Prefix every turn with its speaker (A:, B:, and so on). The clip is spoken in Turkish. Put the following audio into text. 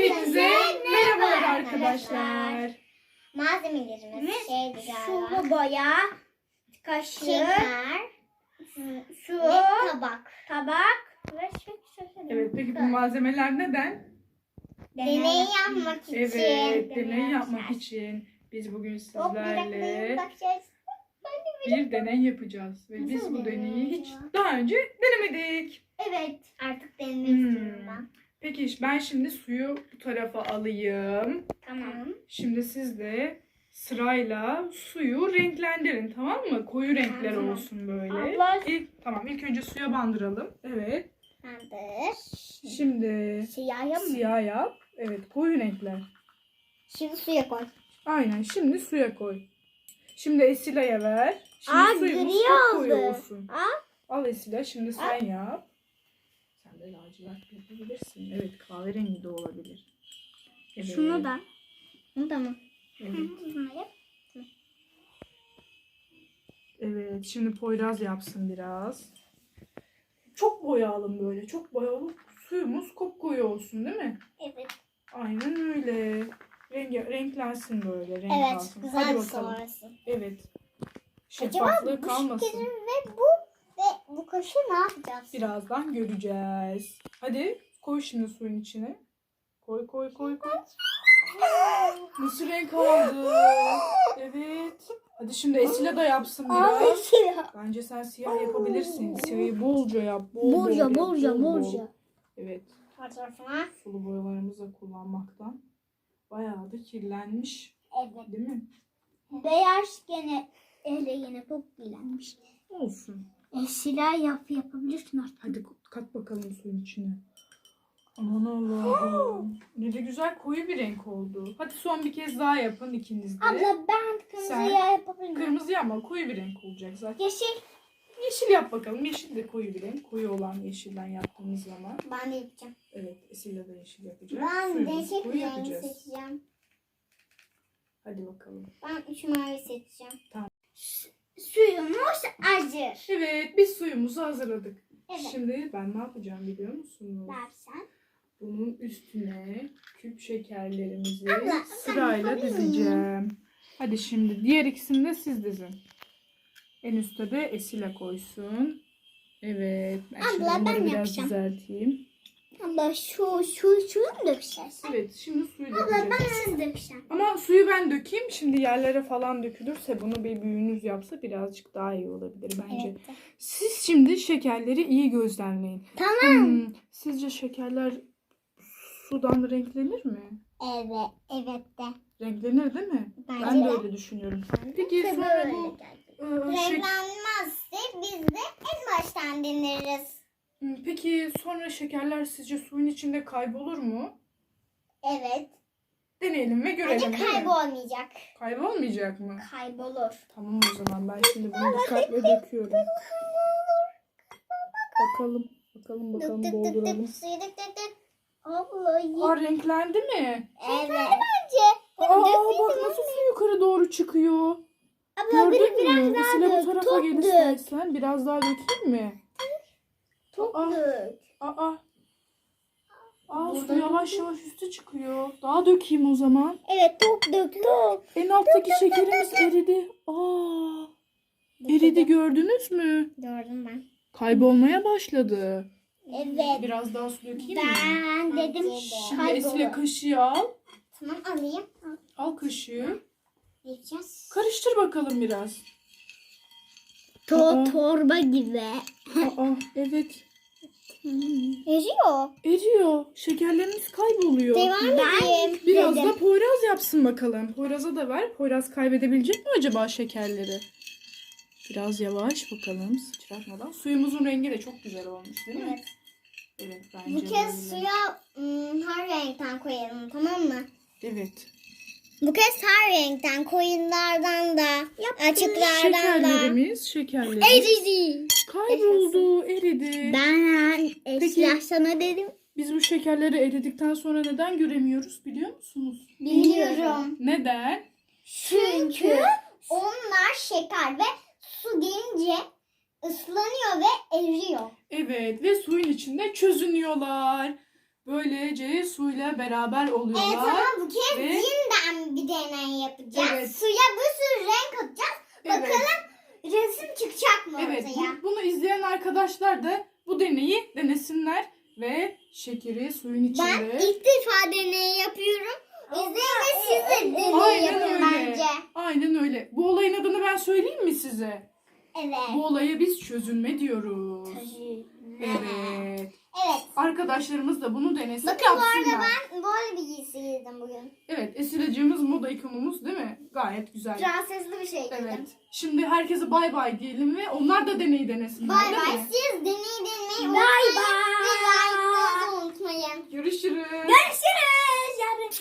A: Hepinize merhabalar arkadaşlar.
B: Malzemelerimiz şeydi galiba.
C: Sulu boya, kaşık,
B: Şeker
C: su,
B: ve tabak.
C: ve
A: Evet, peki bu malzemeler neden?
B: Deney yapmak için.
A: Evet, deney yapmak için biz bugün sizlerle bir deney yapacağız. Ve biz bu deneyi hiç daha önce denemedik.
B: Evet. Artık denemek istiyorum ben.
A: Peki ben şimdi suyu bu tarafa alayım.
B: Tamam.
A: Şimdi siz de sırayla suyu renklendirin, tamam mı? Koyu renkler
B: Tamam.
A: olsun böyle.
C: Abla.
A: İlk önce suya bandıralım. Evet.
B: Tamamdır.
A: Şimdi
B: Siyah mı?
A: siyah yap. Evet, koyu renkler.
B: Şimdi suya koy.
A: Aynen, şimdi suya koy. Şimdi Esile'ye ver. Şimdi
C: Aa,
A: suyumuz
C: gri
A: çok koyu
C: oldu.
A: olsun. Al Esile, şimdi sen yap. Sen de lacivert yapabilirsin. Evet, kahverengi de olabilir. Evet.
C: Şunu da.
B: Bunu da mı?
A: Evet.
B: Bunu yap.
A: Evet, şimdi Poyraz yapsın biraz. Çok boyayalım böyle. Çok boyayalım. Suyumuz kopkoyu olsun, değil mi?
B: Evet.
A: Aynen öyle. Renklensin böyle. Renk
B: Evet.
A: alsın.
B: Güzel
A: Hadi
B: bir
A: bakalım.
B: sonrası.
A: Evet.
B: Acaba
A: Şeffaflığı
B: bu
A: kalmasın.
B: şekerin ve bu kaşığı ne yapacağız?
A: Birazdan göreceğiz. Hadi koy şimdi suyun içine. Koy. Nasıl renk aldı? Evet. Hadi şimdi Esile de yapsın biraz.
B: siyah.
A: Bence sen siyah yapabilirsin. Siyahı bolca yap.
C: Bolca.
A: Evet.
B: Her tarafına.
A: Sulu boyalarımızı kullanmaktan bayağı da kirlenmiş.
B: Evet.
A: Değil mi?
C: Beyaz gene yine çok bilenmiş.
A: Olsun.
C: Silah yapabilirsin artık.
A: Hadi kat bakalım suyun içine. Aman Allah'ım. Ne de güzel koyu bir renk oldu. Hadi son bir kez daha yapın ikiniz de.
C: Abla ben kırmızıya yapabilirim.
A: Kırmızı ama koyu bir renk olacak zaten.
C: Yeşil.
A: Yeşil yap bakalım. Yeşil de koyu bir renk. Koyu olan yeşilden yaptığımız zaman.
B: Ben de yapacağım.
A: Evet, Esile de yeşil yapacak.
B: Ben
A: Suyumuzu
B: değişik
A: koyu
B: bir renk
A: yapacağız.
B: seçeceğim.
A: Hadi bakalım.
B: Ben 3 mavi seçeceğim.
C: Suyumuz hazır.
A: Evet, biz suyumuzu hazırladık.
B: Evet.
A: Şimdi ben ne yapacağım biliyor musunuz?
B: Versen.
A: Bunun üstüne küp şekerlerimizi
B: Abla,
A: sırayla
B: yapabilir
A: dizeceğim. Hadi şimdi diğer ikisini de siz dizin. En üstte de Esile koysun. Evet. Ben şimdi
B: Abla,
A: bunları
B: ben
A: biraz
B: yapacağım.
A: düzelteyim.
C: Abla suyu mu dökeceğiz?
A: Evet, şimdi suyu
C: Abla
A: dökeceğiz.
C: ben siz dökeceğim.
A: Ama suyu ben dökeyim. Şimdi yerlere falan dökülürse bunu bir büyüğünüz yapsa birazcık daha iyi olabilir bence.
B: Evet.
A: Siz şimdi şekerleri iyi gözlemleyin.
C: Tamam.
A: Sizce şekerler sudan renklenir mi?
B: Evet. Evet de.
A: Renklenir değil mi?
B: Bence
A: Ben de
B: de.
A: öyle düşünüyorum. Peki sonra bu
B: Renklenmezse biz de en baştan deneriz.
A: Peki sonra şekerler sizce suyun içinde kaybolur mu?
B: Evet.
A: Deneyelim ve görelim.
B: Bence
A: değil mi?
B: kaybolmayacak.
A: Kaybolmayacak mı?
B: Kaybolur.
A: Tamam o zaman ben şimdi bunu dikkatle döküyorum. Bakalım
B: Dık dık dık
A: dolduralım.
B: dık. Suyu dık dık dık.
C: Abla
A: Aa, renklendi mi?
B: Evet.
A: Aa, bak nasıl su yukarı doğru çıkıyor.
B: Abla
A: Gördün mü? Esile bu
C: dök,
A: tarafa
C: çok
A: gel
C: dök.
A: istersen. Biraz daha dökeyim mi? Aa,
C: dök.
A: aa. Su yavaş yavaş üste çıkıyor. Daha dökeyim o zaman.
C: Evet dök.
A: En alttaki şekerimiz eridi. Eridi gördünüz mü?
B: Gördüm ben.
A: Kaybolmaya başladı.
B: Evet.
A: Biraz daha su dökeyim mi?
C: Ben dedim
A: Şimdi Esile kaşığı al.
B: Tamam alayım.
A: Al kaşığı.
B: Yapacağız.
A: Karıştır bakalım biraz.
C: torba gibi.
A: Aa, evet.
B: Eriyor.
A: Eriyor. Şekerlerimiz kayboluyor.
B: Devam edeyim.
A: Biraz da Poyraz yapsın bakalım. Poyraz'a da ver. Poyraz kaybedebilecek mi acaba şekerleri? Biraz yavaş bakalım sıçratmadan. Suyumuzun rengi de çok güzel olmuş değil mi?
B: Evet.
A: Evet bence
B: Bu kez
A: böyle.
B: suya her renkten koyalım, tamam mı?
A: Evet.
B: Bu kez her renkten, koyunlardan da, açıklardan da.
A: Şekerlerimiz
B: Eridi.
A: kayboldu, eridi.
C: Ben
A: Peki.
C: sana dedim.
A: Biz bu şekerleri eridikten sonra neden göremiyoruz biliyor musunuz?
B: Biliyorum.
A: Neden?
B: Çünkü onlar şeker ve su gelince ıslanıyor ve eriyor.
A: Evet ve suyun içinde çözünüyorlar. böylece suyla beraber oluyorlar.
B: Evet ama bu kez
A: Ve-
B: yeniden bir deney yapacağız.
A: Evet.
B: Suya bir sürü renk atacağız.
A: Evet.
B: Bakalım resim çıkacak mı
A: Evet,
B: ortaya?
A: bunu izleyen arkadaşlar da bu deneyi denesinler ve şekeri suyun
B: Ben
A: içinde.
B: ilk defa deney yapıyorum. İzleyin ve siz de deney
A: Aynen
B: yapın
A: öyle.
B: bence.
A: Aynen öyle. Bu olayın adını ben söyleyeyim mi size?
B: Evet.
A: Bu olaya biz çözünme diyoruz. Evet.
B: Evet.
A: Arkadaşlarımız da bunu denesin,
B: Bakın bu arada
A: yapsınlar.
B: ben böyle bir giysi giydim bugün.
A: Evet, Esile'cığımız moda ikonumuz değil mi? Gayet güzel.
B: Prensesli bir şey giydim.
A: Evet. Şimdi herkese bay bay diyelim ve onlar da deneyi denesinler.
B: Bay
A: değil
B: bay.
A: mi?
B: Siz deneyi denemeyi
C: Bay
B: unutmayın.
C: bay.
B: Ve like'larınızı unutmayın.
A: Görüşürüz.
B: Görüşürüz.